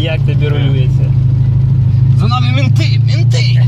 Як тобі рулюється? За нами менти! Менти!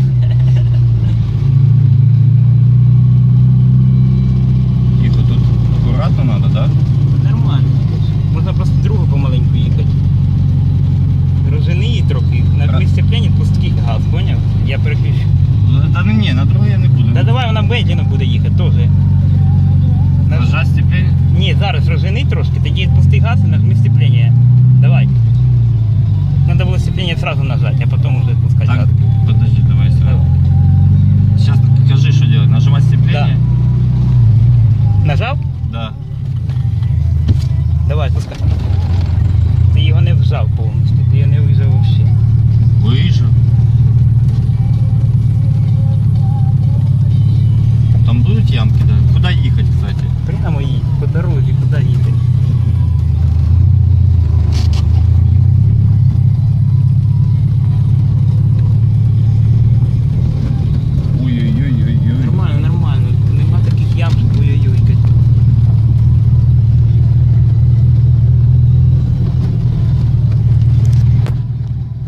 Тихо, тут акуратно надо, да? Нормально. Можна просто другу помаленьку їхати. Розжени її трохи, нажми сцеплення, пусти газ, поняв? Я переключу. Та ну ні, на другу я не буду. Та давай вона медленно буде їхати теж. Нажать сцепление? Ні, зараз розжени трошки, тоді пусти газ і нажми сцеплення. Давай. Надо было сцепление сразу нажать, а потом уже пускать Так, газ. подожди, давай сразу. Сейчас скажи, что делать. Нажимать сцепление? Нажав? Да. Давай, пускай. Ти його не вжав повністю, ти його не вижав взагалі. Выезжу. Там будут ямки, да? Куда ехать, кстати? Прямо їдь, по дорозі, куди їдеш?